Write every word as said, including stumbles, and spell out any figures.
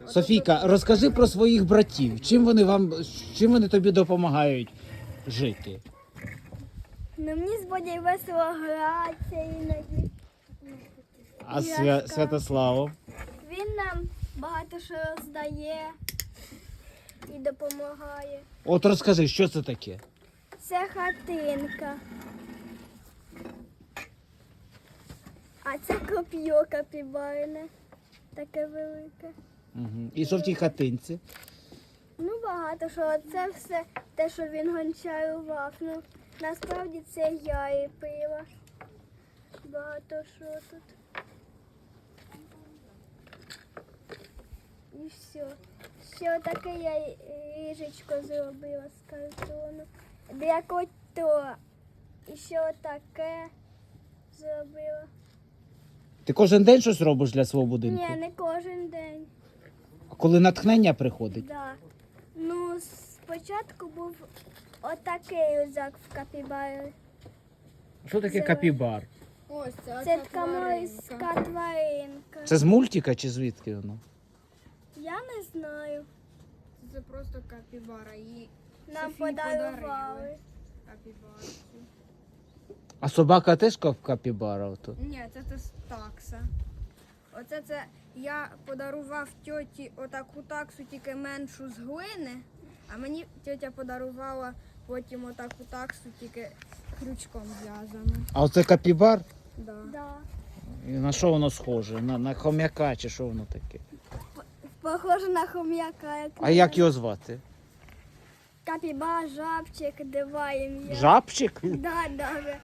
Софійка, розкажи про своїх братів. Чим вони вам, чим вони тобі допомагають жити? Ну, мені з Бодєю весело гратися іноді. А Свя... Святославу? Він нам багато що роздає і допомагає. От розкажи, що це таке? Це хатинка. А це коп'йо капібарне. Таке велике. Угу. І що в тій хатинці? Ну, багато що. Це все те, що він гончарував. Ну, насправді це я і пила. Багато що тут. І все. Ще таке я ліжечко зробила з картону. Для кота. І ще таке зробила. Ти кожен день щось робиш для свого будинку? Ні, не кожен день. А коли натхнення приходить? Да. Ну, спочатку був отакий рюкзак в капібарі. Що таке Це- капібар? Ось це, Це оця така морська тваринка. тваринка. Це з мультика чи звідки воно? Я не знаю. Це просто капібара. Її Нам Софії подарили. подарували. капібарці. А собака теж кап- капібара? Ото? Ні, це, це такса. Оце це я подарував тьоті отаку таксу, тільки меншу з глини, а мені тьотя подарувала потім отаку таксу, тільки крючком зв'язану. А оце капібар? Да. Да. І на що воно схоже? На, на хом'яка чи що воно таке? Похоже на хом'яка. Як А як його звати? Капібар, жабчик, дива ім'я. Жабчик? Да, да.